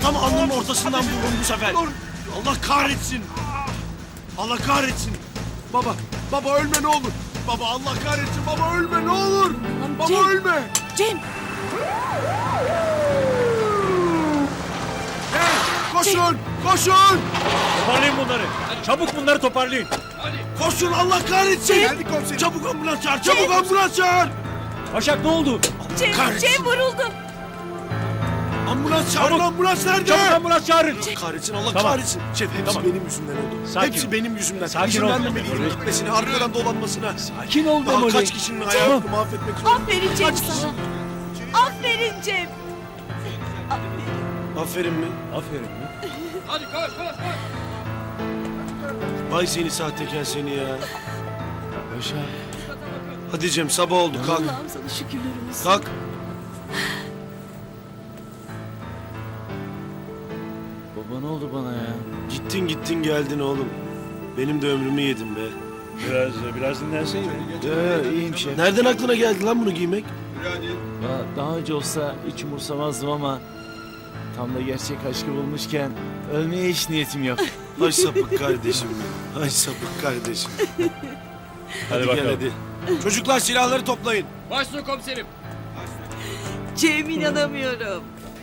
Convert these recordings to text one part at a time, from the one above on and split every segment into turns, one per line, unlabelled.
Tam alnının ortasından vururum bu sefer. Allah kahretsin. Allah kahretsin. Baba ölme ne olur. Baba Allah kahretsin. Baba ölme ne olur. Baba
Cem.
ölme.
Cem!
Koşun. Koşun.
Toparlayın bunları. Çabuk bunları toparlayın.
Koşun Allah kahretsin.
Geldik komiserim.
Çabuk ambulans çağır. Çabuk ambulans çağır.
Başak ne oldu?
Kahretsin.
Cem vuruldu.
Ambulans çağırın. Ambulans nerede?
Çabuk ambulans çağırın.
Kahretsin Allah
Tamam.
kahretsin. Şef hepsi
Tamam.
benim yüzümden oldu.
Sakin
Hepsi
ol.
benim yüzümden.
Sakin
İzin
ol.
vermemeliydim gitmesine, arkadan dolanmasına.
Sakin ol
Daha
Memoli.
kaç kişinin hayatını mahvetmek zorunda.
Aferin Cem sana. Aferin Cem.
Aferin mi?
Aferin mi?
Vay seni sahtekar seni ya.
Başak.
Hadi Cem sabah oldu kalk.
Allah'ım sana şükürler olsun.
Kalk.
Baba ne oldu bana ya?
Gittin geldin oğlum. Benim de ömrümü yedin be.
Biraz dinlenseydin.
İyiyim şef.
Nereden aklına geldi lan bunu giymek?
Ya, daha önce olsa hiç umursamazdım ama tam da gerçek aşkı bulmuşken ölmeye hiç niyetim yok.
Ay sapık kardeşim. Ay sapık kardeşim.
Hadi
Gel
bakalım.
hadi. Çocuklar silahları toplayın.
Cem inanamıyorum.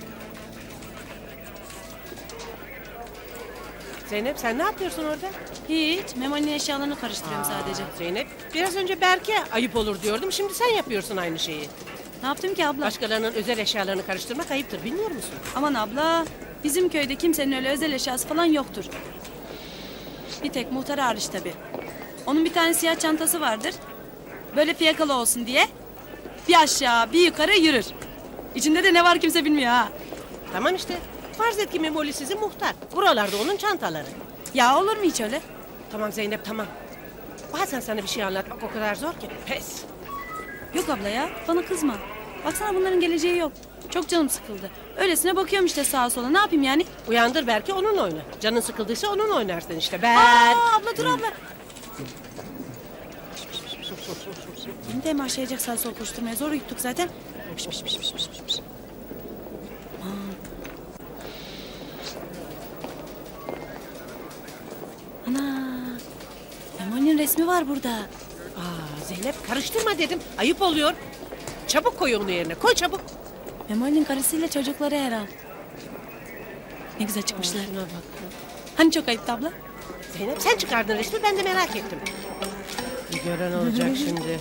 Zeynep sen ne yapıyorsun orada?
Hiç. Memoli'nin eşyalarını karıştırıyorum sadece.
Zeynep biraz önce Berke ayıp olur diyordum. Şimdi sen yapıyorsun aynı şeyi.
Ne yaptım ki abla?
Başkalarının özel eşyalarını karıştırmak ayıptır bilmiyor musun?
Aman abla. Bizim köyde kimsenin öyle özel eşyası falan yoktur. Bir tek muhtar hariç tabii. Onun bir tane siyah çantası vardır. Böyle fiyakalı olsun diye. Bir aşağı bir yukarı yürür. İçinde de ne var kimse bilmiyor ha.
Tamam işte. Farz et ki Memoli sizin muhtar. Buralarda onun çantaları.
Ya olur mu hiç öyle?
Tamam Zeynep tamam. Bazen sana bir şey anlatmak o kadar zor ki. Pes.
Yok abla ya. Bana kızma. Baksana bunların geleceği yok. Çok canım sıkıldı. Öylesine bakıyorum işte sağa sola. Ne yapayım yani?
Uyandır belki onunla oyna. Canın sıkıldıysa onunla oynarsın işte. Ben...
Aa abla dur abla. Beni de mi aşağıyacak sağa sola koşturmaya? Zor yuttuk zaten. Ana. Memoli'nin resmi var burada.
Aa, Zeynep karıştırma dedim. Ayıp oluyor. Çabuk koy onu yerine. Koy çabuk.
Memoli'nin karısıyla çocukları herhal. Ne güzel çıkmışlar.
Şuna bak.
Hani çok ayıptı abla?
Zeynep sen çıkardın resmi ben de merak ettim. Bir gören olacak şimdi.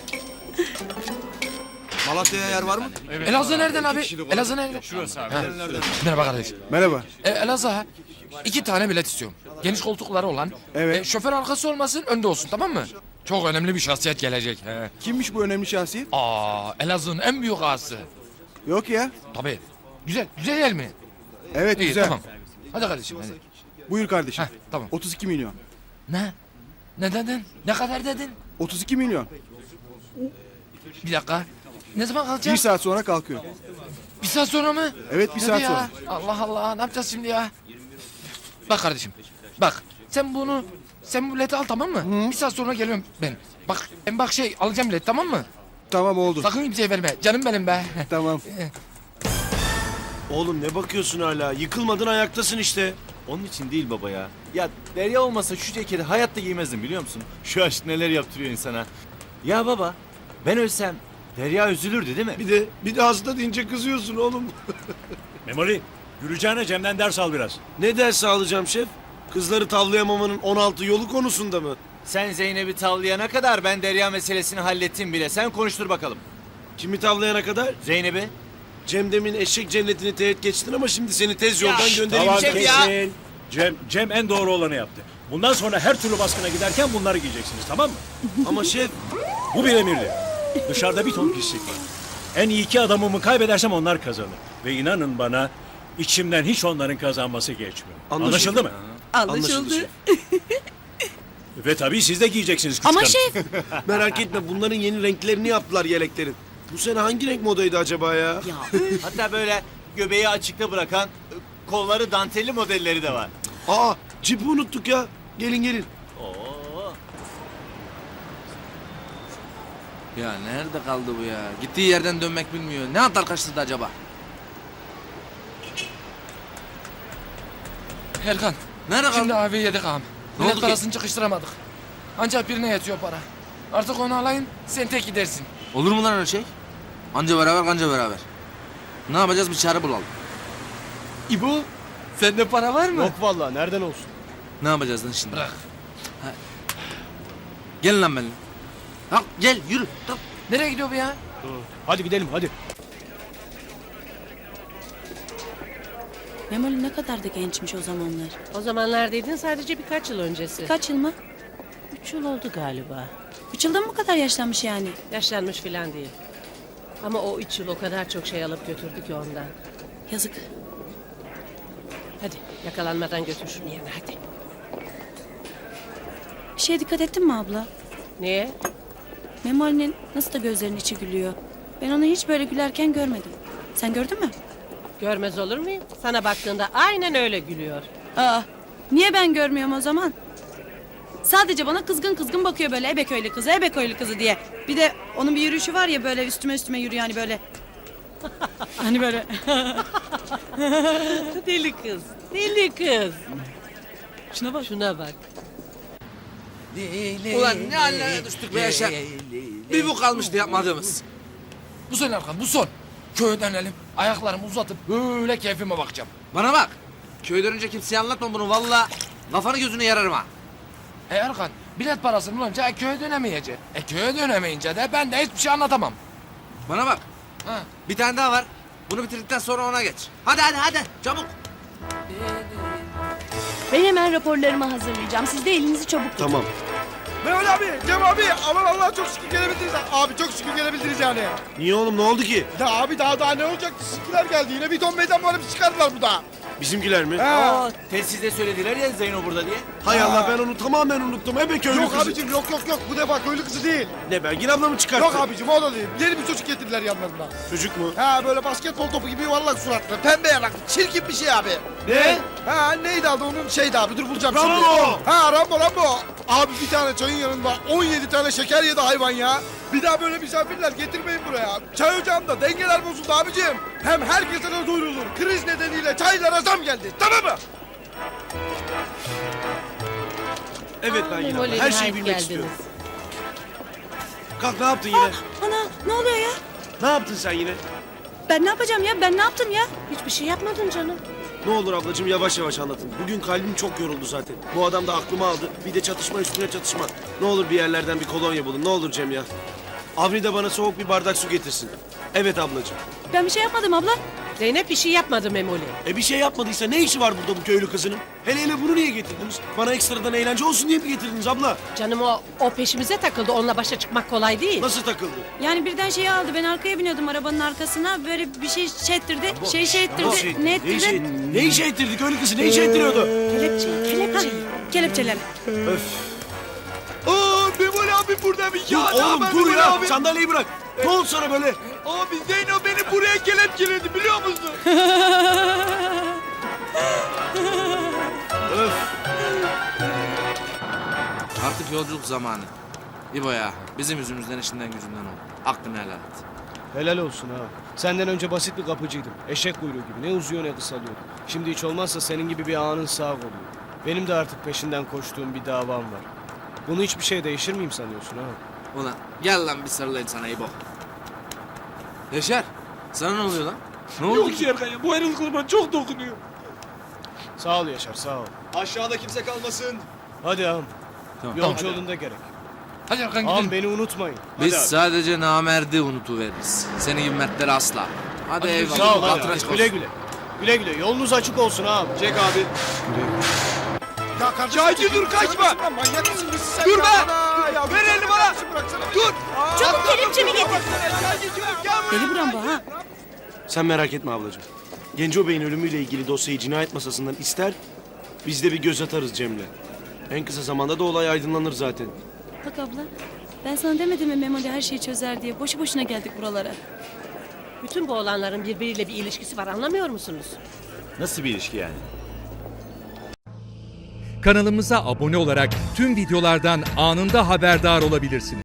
Malatya'ya yer var mı?
Elazığ nereden abi? Elazığ nereden?
Şurası abi.
Merhaba kardeş.
Merhaba.
Elazığ ha. 2 tane bilet istiyorum. Geniş koltukları olan.
Evet.
Şoför arkası olmasın, önde olsun, tamam mı? Çok önemli bir şahsiyet gelecek. He.
Kimmiş bu önemli şahsiyet?
Elazığ'ın en büyük ağası.
Yok ya.
Tabii. Güzel yer mi?
Evet
İyi,
güzel.
tamam. Hadi kardeşim, hadi.
Buyur kardeşim.
Heh, tamam.
32 milyon.
Ne? Ne dedin? Ne kadar dedin?
32 milyon.
Bir dakika. Ne zaman
Bir
kalacağız?
saat sonra kalkıyor.
Bir saat sonra mı?
Evet bir
Hadi
saat
ya.
sonra.
Allah Allah, ne yapacağız şimdi ya? Bak kardeşim, bak. Sen bu bileti al, tamam mı? Bir saat sonra geliyorum ben. Bak alacağım bileti, tamam mı?
Tamam oldu.
Sakın kimseye verme. Canım benim be.
Tamam.
Oğlum ne bakıyorsun hala? Yıkılmadın ayaktasın işte.
Onun için değil baba ya. Ya Derya olmasa şu ceketi hayatta giymezdim biliyor musun? Şu aşk neler yaptırıyor insana. Ya baba ben ölsem Derya üzülürdü değil mi?
Bir de hasta deyince kızıyorsun oğlum.
Memoli, yürüyeceğine Cem'den ders al biraz.
Ne ders alacağım şef? Kızları tavlayamamanın 16 yolu konusunda mı?
Sen Zeynep'i tavlayana kadar ben Derya meselesini hallettim bile. Sen konuştur bakalım.
Kimi tavlayana kadar?
Zeynep'i.
Cem demin eşek cennetini teğet geçtin ama şimdi seni tez yoldan göndereyim.
Tamam
Cem ya.
kesin. Cem en doğru olanı yaptı. Bundan sonra her türlü baskına giderken bunları giyeceksiniz, tamam mı?
Ama şef
Bu bir emirdi. Dışarıda bir ton pislik var. En iyi 2 adamımı kaybedersem onlar kazanır. Ve inanın bana içimden hiç onların kazanması geçmiyor. Anlaşıldı mı?
anlaşıldı şef.
Ve tabii siz de giyeceksiniz
Ama
kıskanın.
şef.
Merak etme bunların yeni renklerini yaptılar yeleklerin. Bu sene hangi renk modaydı acaba ya?
Hatta böyle göbeği açıkta bırakan kolları dantelli modelleri de var.
Aa cipi unuttuk ya. Gelin.
Oo.
Ya nerede kaldı bu ya? Gittiği yerden dönmek bilmiyor. Ne atar kaçtırdı acaba? Erkan.
Nerede
Şimdi
kaldın?
abi yedik ağam.
Ne
Bilet
oldu ki?
parasını çıkıştıramadık. Ancak birine yetiyor para. Artık onu alayım sen tek gidersin.
Olur mu lan öyle şey? Anca beraber kanca beraber. Ne yapacağız, bir çare bulalım.
İbo sende para var mı?
Yok vallahi nereden olsun?
Ne yapacağız lan şimdi?
Bırak.
Gelin lan benimle. Kalk gel yürü. Kalk.
Nereye gidiyor bu ya?
Hadi gidelim hadi.
Memoli ne kadar da gençmiş o zamanlar.
O zamanlar dedin sadece birkaç yıl öncesi.
Kaç yıl mı?
3 yıl oldu galiba.
3 yılda mı bu kadar yaşlanmış yani?
Yaşlanmış filan değil. Ama o 3 yıl o kadar çok şey alıp götürdü ki ondan.
Yazık.
Hadi yakalanmadan götür şunu yerine hadi.
Bir şeye dikkat ettin mi abla?
Niye?
Memoli'nin nasıl da gözlerinin içi gülüyor. Ben onu hiç böyle gülerken görmedim. Sen gördün mü?
Görmez olur muyum? Sana baktığında aynen öyle gülüyor.
Aa, niye ben görmüyorum o zaman? Sadece bana kızgın kızgın bakıyor böyle ebeköylü kızı, ebeköylü kızı diye. Bir de onun bir yürüyüşü var ya böyle üstüme yürüyor hani böyle. Hani böyle.
Deli kız, deli kız.
Şuna bak.
Şuna bak.
Ulan ne hallere düştük be Yaşar. Bir bu kalmıştı yapmadığımız.
Bu son Erkan bu son. Köye dönelim. Ayaklarımı uzatıp böyle keyfime bakacağım.
Bana bak. Köye dönünce kimseye anlatma bunu valla. Kafanı gözünü yararım ha.
Erkan bilet parasını bulunca köye dönemeyecek. Köye dönemeyince de ben de hiçbir şey anlatamam.
Bana bak.
Ha.
Bir tane daha var. Bunu bitirdikten sonra ona geç. Hadi çabuk.
Ben hemen raporlarımı hazırlayacağım. Siz de elinizi çabuk tutun.
Tamam.
Mehmet abi, Cem abi, aman Allah çok şükür gelebildiniz. Abi çok şükür gelebildiniz yani.
Niye oğlum ne oldu ki?
Ya abi daha ne olacak? Sizinkiler geldi yine bir ton meydan muharebesi çıkardılar burada.
Bizimkiler mi?
Ha.
Telsizde söylediler ya Zeyno burada diye.
Hay Allah ben onu tamamen unuttum. Ebe köylü
Yok
kızı.
abicim yok bu defa köylü kızı değil.
Ne Belgin abla mı çıkarttı?
Yok abicim o da değil. Yeni bir çocuk getirdiler yanlarına.
Çocuk mu?
Ha böyle basketbol topu gibi yuvarlak suratlı, pembe yanaklı, çirkin bir şey abi.
Ne?
Ha neydi adı onun şeydi abi dur bulacağım
Rambo!
şimdi. Ha Rambo. Abi bir tane çayın yanında 17 tane şeker yedi hayvan ya. Bir daha böyle misafirler getirmeyin buraya. Çay ocağında dengeler bozuldu abicim. Hem herkese de duyurulur. Kriz nedeniyle çaylara zam geldi. Tamam mı?
Evet Belgin abla
Memoli,
her şeyi
nihayet
bilmek
geldiniz.
istiyorum. Kalk ne yaptın yine?
Ana ne oluyor ya?
Ne yaptın sen yine?
Ben ne yapacağım ya? Ben ne yaptım ya?
Hiçbir şey yapmadın canım.
Ne olur ablacığım yavaş yavaş anlatın. Bugün kalbim çok yoruldu zaten. Bu adam da aklımı aldı. Bir de çatışma üstüne çatışma. Ne olur bir yerlerden bir kolonya bulun. Ne olur Cem ya. Avni de bana soğuk bir bardak su getirsin. Evet ablacığım.
Ben bir şey yapmadım abla.
Zeynep bir şey yapmadı Memoli.
Bir şey yapmadıysa ne işi var burada bu köylü kızının? Hele bunu niye getirdiniz? Bana ekstradan eğlence olsun diye mi getirdiniz abla?
Canım o peşimize takıldı. Onunla başa çıkmak kolay değil.
Nasıl takıldı?
Yani birden şeyi aldı. Ben arkaya biniyordum arabanın arkasına. Böyle bir şey ettirdi. Şey ettirdi.
Nasıl?
Ne ettirdi?
Ne işe ettirdi köylü kızı? Ne işe ettiriyordu?
Kelepçe.
Kelepçeler.
Aa Memoli abi burada bir
Dur oğlum dur ya. Sandalyeyi bırak. Ne oldu sana böyle?
Abi Zeyno beni buraya kelepçeledi biliyor musun?
Artık yolculuk zamanı. İbo ya bizim yüzümüzden işinden gücünden oldu. Aklını helal et.
Helal olsun ha. Senden önce basit bir kapıcıydım. Eşek kuyruğu gibi. Ne uzuyor ne kısalıyor. Şimdi hiç olmazsa senin gibi bir ağanın sağ oluyor. Benim de artık peşinden koştuğum bir davam var. Bunu hiçbir şey değişir miyim sanıyorsun ha?
Ulan gel lan bir sarılayım sana İbo. Yaşar sana ne oluyor lan? Ne oldu ki?
Erkan ya bu ayrılıklar bana çok dokunuyor.
Sağ ol Yaşar sağ ol.
Aşağıda kimse kalmasın.
Hadi ağam.
Tamam.
Yolcu yolunda gerek.
Hadi Erkan
Ağam
gidelim.
beni unutmayın.
Biz
Hadi abi.
sadece namerdi unutuveririz. Senin gibi mertleri asla. Hadi eyvallah.
Sağ ol hadi.
Hatırına
abi.
çık
Güle
olsun.
güle. Güle güle. Yolunuz açık olsun ağam.
Çek abi. Ya kardeşim Şahidi dur kaçma. Manyak mısın sen? Dur be. Ver elini bana. Dur.
Çabuk kelepçemi getir. Deli
Deli
buram bu ha.
Sen merak etme ablacığım. Genco Bey'in ölümüyle ilgili dosyayı cinayet masasından ister, biz de bir göz atarız Cem'le. En kısa zamanda da olay aydınlanır zaten.
Bak abla. Ben sana demedim mi Memoli her şeyi çözer diye. Boşu boşuna geldik buralara.
Bütün bu olanların birbiriyle bir ilişkisi var anlamıyor musunuz?
Nasıl bir ilişki yani?
Kanalımıza abone olarak tüm videolardan anında haberdar olabilirsiniz.